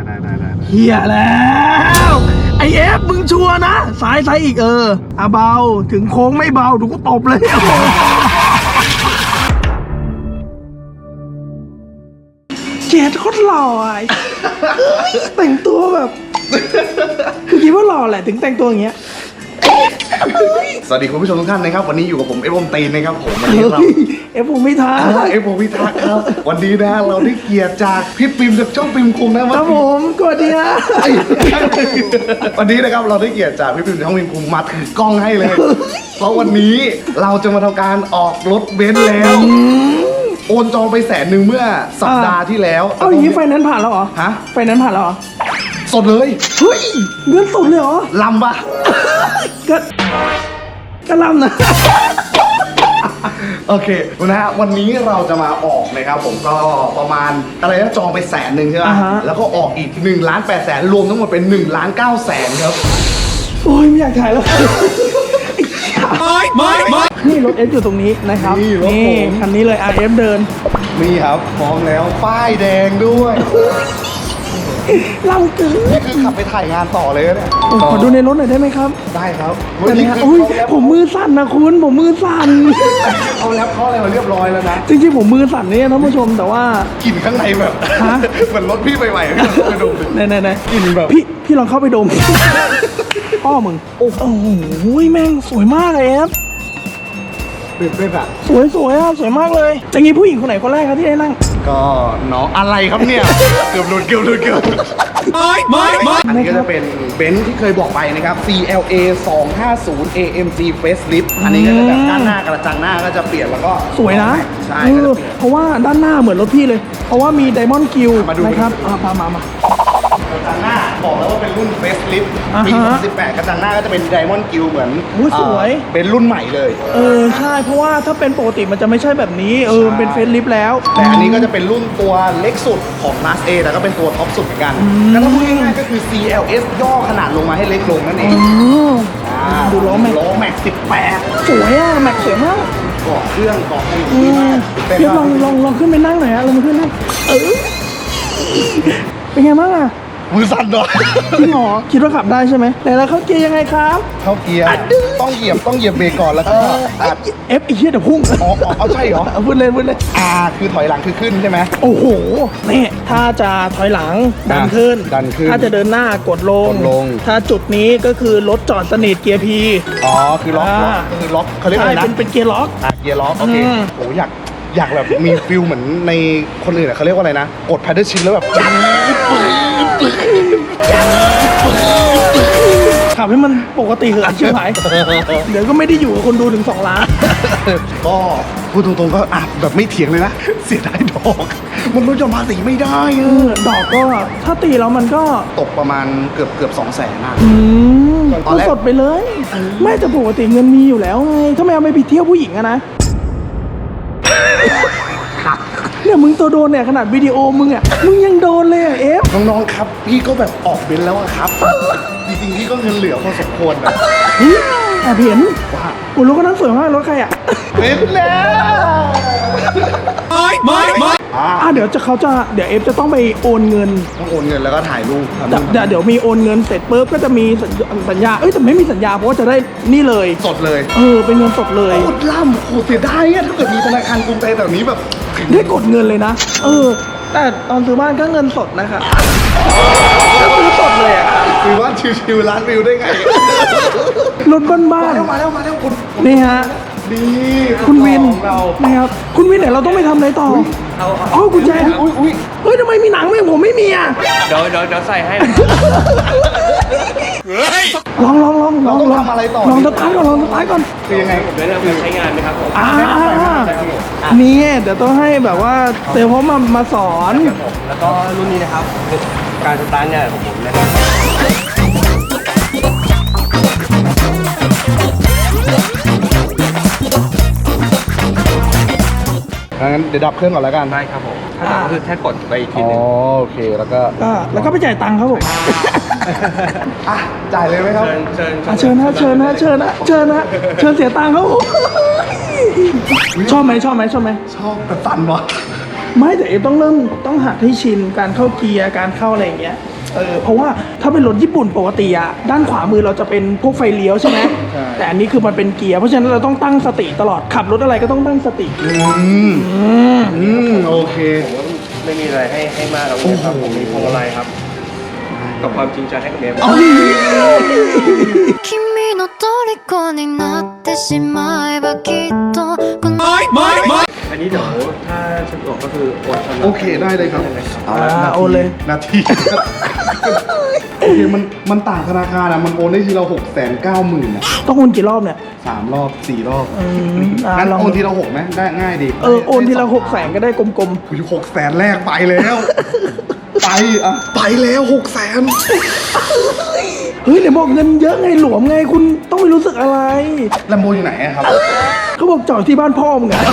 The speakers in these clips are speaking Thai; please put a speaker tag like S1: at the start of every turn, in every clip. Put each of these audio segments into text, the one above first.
S1: เฮียแล้วไอเอฟมึงชัวร์นะซ้ายเอกเบาถึงโค้งไม่เบาดูกูตบเลยเจดโคตรหล่อแต่งตัวแบบคือคิดว่าหล่อแหละถึงแต่งตัวอย่างเงี้ย
S2: สวัสดีคุณผู้ชมทุกท่านนะครับวันนี้อยู่กับผมเอฟอมตีนนะครับผมวันนี้เรา
S1: เอฟผมไม่ทัก
S2: ครับวันนี้นะเราได้เกียรติจากพี่ปิมจากช่องปิมคุงนะครับ
S1: ผมกดดีนะ
S2: วันนี้นะครับเราได้เกียรติจากพี่ปิมจากช่องปิมคุงมาถือกล้องให้เลยเพราะวันนี้เราจะมาทำการออกรถเบนซ์แล้วโอนจองไป100,000เมื่อสัปดาห์ที่แล้ว
S1: เอาอย่างนี้ไฟนั้นผ่านแล้วเหรอ
S2: ฮะ
S1: ไฟนั้นผ่านแล้วเหรอ
S2: สดเลย
S1: เฮ้ยเงินสดเลยเหรอ
S2: ลำปะ
S1: ก็ลำนะ
S2: โอเคนะฮะวันนี้เราจะมาออกนะครับผมก็ประมาณอะไรนะจองไป100,000ใช่ไหมแล้วก็ออกอีก1,800,000รวมทั้งหมดเป็น1,900,000ครับ
S1: โอ้ยไม่อยากถ่ายแล้วไม่นี่รถเอฟอยู่ตรงนี้นะครับนี่คันนี้เลย RF เดิน
S2: นี่ครับพร้อมแล้วป้ายแดงด้วย
S1: เราเกิน
S2: นี่คือขับไปถ่ายงานต่อเลยเนี่ย
S1: ขอดูในรถหน่อยได้ไหมครับ
S2: ได้ครับ
S1: นี่ครับอุ้ยผมมือสั่นนะคุณผมมือสั่น
S2: เขาแล้วเขาอะไรมาเรียบร้อยแล้วนะ
S1: จริงๆผมมือสั่นเนี่ยท่านผู้ชมแต่ว่าก
S2: ลิ่นข้างในแบบเหมือนรถพี่ใหม่ๆไปดม
S1: ไหน
S2: กลิ่นแบบ
S1: พี่ลองเข้าไปดมพ่อมึงโอ้โหแม่งสวยมากเลยครับ
S2: เป็นแบบ
S1: สวยอ่ะสวยมากเลยจะงี้ผู้หญิงคนไหนคนแรกครับที่ได้นั่ง
S2: ก็น้องอะไรครับเนี่ยเกือบหลุดไม่อันนี้ก็จะเป็นเบนซ์ที่เคยบอกไปนะครับ CLA 250 AMG Facelift อันนี้ก็จะแบบด้านหน้ากระจังหน้าก็จะเปลี่ยนแล้วก็
S1: สวยนะ
S2: ใช่
S1: เพราะว่าด้านหน้าเหมือนรถพี่เลยเพราะว่ามี Diamond Q นะครับม
S2: ากระจังหน้าบอกแล้วว่าเป็นรุ่น Facelift ปี2018กระจังหน้าก็จะเป็น Diamond Q เหมือน
S1: สวย
S2: เป็นรุ่นใหม่เลย
S1: ใช่เพราะว่าถ้าเป็นปกติมันจะไม่ใช่แบบนี้เป็น Facelift แล้ว
S2: แต่อันนี้ก็จะเป็นรุ่นตัวเล็กสุดของ Class A แต่ก็เป็นตัวท็อปสุดเหมือนกันแล้วถ้าพูดง่ายๆก็คือ CLS ย่อขนาดลงมาให้เล็กลงนั่นเอง
S1: ดูล้อแม็ก
S2: 18
S1: สวยอ่ะแม็กสวยมาก
S2: เกาะเครื่องเกาะอะไร
S1: ดีมากเดี๋ยวลองขึ้นไปนั่งหน่อยฮะลองขึ้นนั่งเป็นไงบ้างอ่ะ
S2: มือสั่นเลย
S1: พี่หมอคิดว่าขับได้ใช่ไหมแต่แล้วเข้าเกียร์ยังไงครับ
S2: เข้าเกียร์ต้องเหยียบเบรกก่อนแล้วก็
S1: เอฟอีกเหี้ยเดี๋ยวพุ่ง
S2: เอาใช่เหรอ
S1: พูดเลย
S2: คือถอยหลังคือขึ้นใช่ไหม
S1: โอ้โหนี่ถ้าจะถอยหลังดันขึ้นถ้าจะเดินหน้ากดลงถ้าจุดนี้ก็คือรถจอดสนิทเกียร์พี
S2: คือล็อกเขาเรียกอะไรนะ
S1: เป็นเกียร์ล็อก
S2: โอเคโอ้อยากแบบมีฟิลเหมือนในคนอื่นเขาเรียกว่าอะไรนะกด paddle shift แล้วแบบ
S1: ขับให้มันปกติเหอะเชื่อไหมเดี๋ยวก็ไม่ได้อยู่กับคนดูถึง2 ล้าน
S2: ก็พูดตรงๆก็แบบไม่เถียงเลยนะเสียดายดอกมันลดหย่อนภาษีไม่ได้
S1: ดอกก็ถ้าตีแล้วมันก็
S2: ตกประมาณเกือบ200,000นะ
S1: ตอนแรกสดไปเลยไม่แต่ปกติเงินมีอยู่แล้วไงถ้าไม่เอาไปเที่ยวผู้หญิงอะนะเนี่ยมึงตัวโดนเนี่ยขนาดวิดีโอมึงยังโดนเลยเอฟ
S2: น้องๆครับพี่ก็แบบออกเบนแล้วครับจริงๆพี่ก็เงินเหลือพอสมควรนะ
S1: เห็นว่าโอ้รถก็นั้นสวยมากรถใคร
S2: เป็นแล้ว
S1: เดี๋ยวเอฟจะต้องไปโอนเงิน
S2: แล้วก็ถ่ายรูป
S1: เดี๋ยวมีโอนเงินเสร็จปุ๊บก็จะมีสัญญาแต่ไม่มีสัญญาเพราะว่าจะได้นี่เลย
S2: สดเลย
S1: เป็นเงินสดเลย
S2: โคตรล่ำโคตรเสียดายถ้าเกิดมีธนาคารกรุงไทยแบบนี้แบบ
S1: ได้กดเงินเลยนะแต่ตอนซื้อบ้านก็เงินสดนะคะก็ซื้อสดเลย
S2: ซื้อบ้านชิวๆร้านวิวได้ไง
S1: รถบ้าน
S2: มาแล้วคุณ
S1: นี่ฮะ
S2: ดี
S1: คุณวินนะครับคุณวินเดี๋ยวเราต้องไปทำอะไรต่อกุญแจเฮ้ยทำไมมีหนังไม่ผมไม่มี
S3: เดี๋ยวใส่ให้
S1: ลอง
S2: ทำอะไรต่อ
S1: ลองสตาร์ทก่อน
S2: คือยังไง
S3: ผมได้เริ่มการใช้งานไหมครับผม
S1: นี่เดี๋ยวต้องให้แบบว่าเซลล์เขามาสอน
S3: แล้วก็รุ่นนี้นะครับการสตาร์ทเนี่ยของผมนะครับ
S2: งั้นเดี๋ยวดับเครื่องก่อนแล้วกัน
S3: ได้ครับผมถ้าดับคือแค่กดไปอีกทีนึง
S2: โอเคแล้วก็
S1: ไปจ่ายตังค์ครับผม
S2: จ่ายเลยไหมครับ
S1: เชิญนะเสียตังค์เขาชอบไหม
S2: ชอบแต่สั่นวะ
S1: ไม่แต่เอฟต้องหัดให้ชินการเข้าเกียร์การเข้าอะไรอย่างเงี้ยเพราะว่าถ้าเป็นรถญี่ปุ่นปกติอะด้านขวามือเราจะเป็นพวกไฟเลี้ยวใช่ไหมแต่อันนี้คือมันเป็นเกียร์เพราะฉะนั้นเราต้องตั้งสติตลอดขับรถอะไรก็ต้องตั้งสติ
S2: โอเค
S3: ไม่มีอะไรให้มากครับครับผมมีพวงมาลัยครับกับความจริงใจให้กับเมีย
S4: 君の虜になってしまえばきっと
S3: อันนี้เดี๋ยวถ้าสะดวกก็คือโอนชำระ
S2: โอเคได้เลยครับ
S1: โอนเลย
S2: นาทีโอเคมันต่างธนาคารอะมันโอนได้ทีเรา690,000อะ
S1: ต้องโอนกี่รอบเนี่ย
S2: 3 รอบ 4 รอบ
S1: งั้
S2: งั้นโอนทีเรา6ไหมได้ง่ายดี
S1: โอนทีละ600,000ก็ได้กลม
S2: คือ600,000แรกไปแล้ว ไปแล้ว600,000
S1: ๆเฮ้ยเดี๋ยวบอกเงินเยอะไงหลวมไงคุณต้องไม่รู้สึกอะไร
S2: ลมโบอยู่ไหนอะครับ
S1: เขาบอกจอดที่บ้านพ่อมึงอะ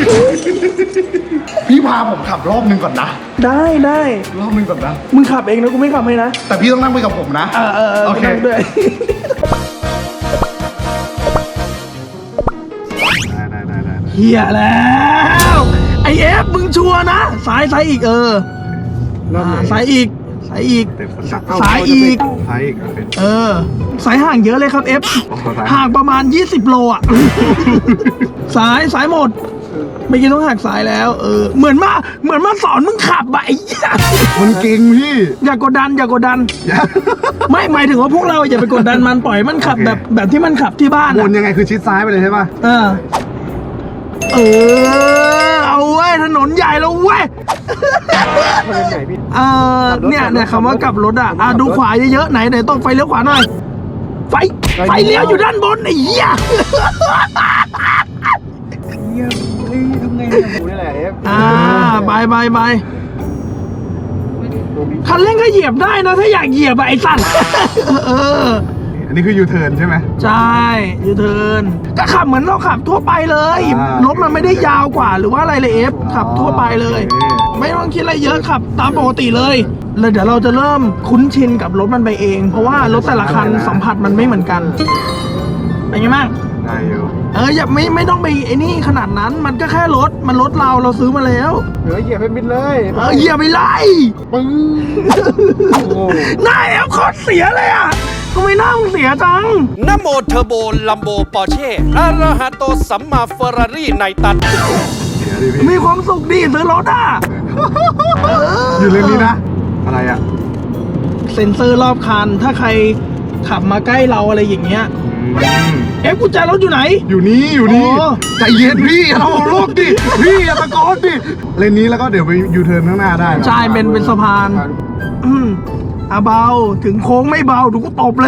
S2: พี่พาผมขับรอบนึงก่อนนะ
S1: ได้
S2: รอบนึงก่อนนะ
S1: มึงขับเองนะกูไม่ขับให้นะ
S2: แต่พี่ต้องนั่งไปกับผมนะ โอเค
S1: นั่งด้วย
S2: ได้
S1: เฮียแล้วไอเอฟมึงชัวร์นะสายอีกสายอีกสายอีก
S2: ซ้ายอีกโอเค
S1: สายห่างเยอะเลยครับเอฟห่างประมาณ20 โลอ่ะ สายหมดไม่กินต้องหักสายแล้วเหมือนมาสอนมึงขับอะไอ้เหี้ย
S2: มันเก่งพี่
S1: อย่ากดดันไม่หมายถึงว่าพวกเราอย่าไปกดดันมันปล่อยมันขับแบบที่มันขับที่บ้าน
S2: วนยังไงคือชิดซ้ายไปเลยใช่ป่ะ
S1: เอาเว้ยถนนใหญ่แล้วเว้ยเนี่ยคำว่ากลับรถอ่ะดูขวาเยอะๆไหนต้องไฟเลี้ยวขวาหน่อยไฟเลี้ยวอยู่ด้านบนไอ้เหี้ย
S3: ทำไงเนี่ยผมนี่แหละเอฟ
S1: ไปคันเร่งก็เหยียบได้นะถ้าอยากเหยียบไอ้สัตว์
S2: อันนี้คือยูเทิร์นใช่ไหม
S1: ใช่ยูเทิร์นก็ขับเหมือนเราขับทั่วไปเลยรถมันไม่ได้ยาวกว่าหรือว่าอะไรเลยเอฟขับทั่วไปเลย ไม่ต้องคิดอะไรเยอะขับตามปกติเลยแล้วเดี๋ยวเราจะเริ่มคุ้นชินกับรถมันไปเอง เพราะว่ารถแต่ละคันสัมผัสมันไม่เหมือนกันเป็นไงบ้าง
S2: ได้อยู่
S1: อย่าไม่ต้องไปไอ้นี่ขนาดนั้นมันก็แค่รถเราซื้อมาแล้ว
S3: เหลือเหยียบให้มิดเลย
S1: เหยียบไปไล่
S2: ปึ้ง
S1: หน้าแอฟโคตรเสียเลยอ่ะทำไมหน้ามึงเสียจัง
S5: นะโมเทอร์โบลัมโบปอร์เช่อาราฮาโตสัมมาเฟอร์รารี่ไนตัน
S2: เดี๋ยวดิพี่
S1: มีความสุขดีซื้อรถอ่ะ
S2: อยู่เลนนี้นะ อะไรอ่ะ
S1: เซ็นเซอร์รอบคันถ้าใครขับมาใกล้เราอะไรอย่างเงี้ยเอฟกุญแจรถอยู่ไหน
S2: อยู่นี่
S1: อ๋อ
S2: ใจเย็นพี่อย่าทำโลกดิพี่อย่าตะโกนดิเลนนี้แล้วก็เดี๋ยวไปยูเทิร์นข้างหน้าได้นะ
S1: ใช่เป็นสะพานเบาถึงโค้งไม่เบาดูกูตบเลย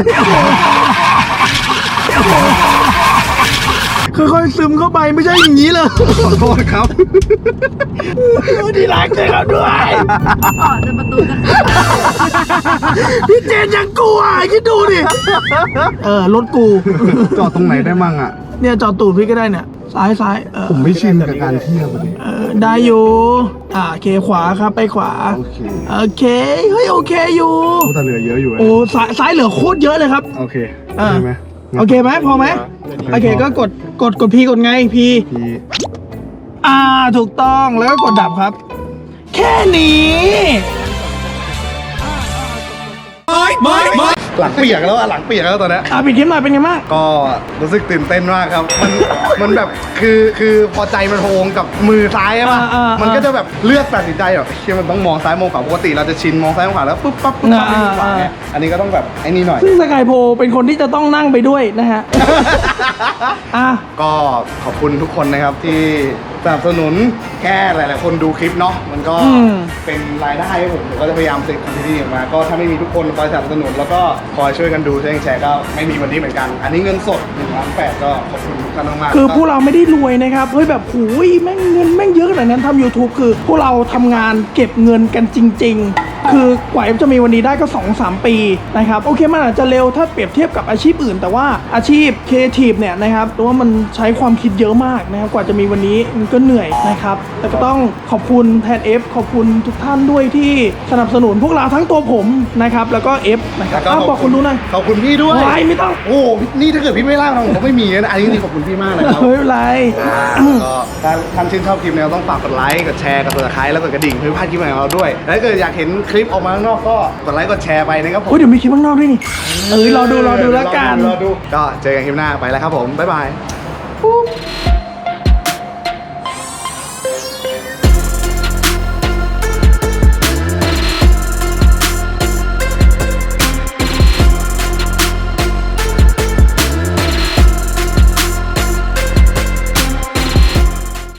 S1: ค่อยๆซึมเข้าไปไม่ใช่อย่างนี้เลย
S2: ขอโทษครับ
S1: ดีรักเลยครับด้วยพี่เจนยังกลัวคิดดูดิรถกู
S2: จอดตรงไหนได้มั่งอ่ะ
S1: เนี่ยจอดตูดพี่ก็ได้เนี่ยซ้าย
S2: ผมไม่ชินกับการเที่ยวเลย
S1: ได้อยู่โอเคขวาครับไปขวา โอเคเฮ้ยโอเคอยู่
S2: แต่เหลือเยอะอยู่
S1: โอ้ซ้ายเหลือโคตรเยอะเลยครับ
S2: โอเคได้ไหม
S1: โอเคไหมพอไหมโอเคก็กดพีกดไงพีถูกต้องแล้วก็กดดับครับ แค่นี้
S2: หลังเปียกแล้วอะหลังเปียกแล้วตอนนี้
S1: ปิดคลิปหน่อยเป็นไงบ้าง
S2: ก็รู้สึกตื่นเต้นมากครับ มันแบบคือพอใจมันโฮงกับมือซ้ายใช่ป่ะมันก็จะแบบเลือกตัดสินใจแบบเชื่อมันต้องมองซ้ายมองขวาปกติเราจะชินมองซ้ายมองขวาแล้วปุ๊บปั๊บไม่มองขวาไงอันนี้ก็ต้องแบบไอ้นี่หน่อย
S1: ซึ่งสกายโพเป็นคนที่จะต้องนั่งไปด้วยนะฮะ
S2: ก็ขอบคุณทุกคนนะครับที่สนับสนุนแค่หลายๆคนดูคลิปเนาะมันก็เป็นรายได้ให้ผมก็จะพยายามเสร็จคอนเทนต์นี้ออกมาก็ถ้าไม่มีทุกคนคอยสนับสนุนแล้วก็คอยช่วยกันดูช่วยกันแชร์ก็ไม่มีวันนี้เหมือนกัน อันนี้เงินสด1,800,000ก็ขอบคุณทุกท่านมากๆ
S1: คือพวกเราไม่ได้รวยนะครับเฮ้ยแบบหูยแม่งเงินแม่งเยอะขนาดนั้นทำ YouTube คือพวกเราทำงานเก็บเงินกันจริง ๆคือกว่าเอฟจะมีวันนี้ได้ก็ 2-3 ปีนะครับโอเคมันอาจจะเร็วถ้าเปรียบเทียบกับอาชีพอื่น แต่ว่าอาชีพครีเอทีฟเนี่ยนะครับตัวว่ามันใช้ความคิดเยอะมากนะครับกว่าจะมีวันนี้มันก็เหนื่อยนะครับแต่ก็ต้องขอบคุณแทนเอฟขอบคุณทุกท่านด้วยที่สนับสนุนพวกเราทั้งตัวผมนะครับแล้วก็เอฟนะครับบอกคุณดูหน่อย
S2: ขอบคุณพี่ด้วย
S1: ไม่ต้อง
S2: โอ้นี่ถ้าเกิดพี่ไม่เล่าเราผมก็ไม่มีนะอันนี้จริงๆขอบคุณพี่มากนะครับ
S1: ไม่เป็นไร
S2: ก็ถ้าท่านชื่นชอบคลิปนี้ต้องฝากกดไลค์กดแชร์กด subscribe แล้วกดกระดิ่งเพื่อไม่พลาดคลิปใหม่ของเราด้วยและถ้าเกิดอยากเห็นคลิปออกมาข้างนอกก็กดไลค์กดแชร์ไปนะครับผม
S1: โอ้ยเดี๋ยวมีคลิปข้างนอกด้วยนี่รอดูแล้วกัน
S2: รอดูก็เจอกันคลิปหน้าไปแล้วครับผมบ๊ายบาย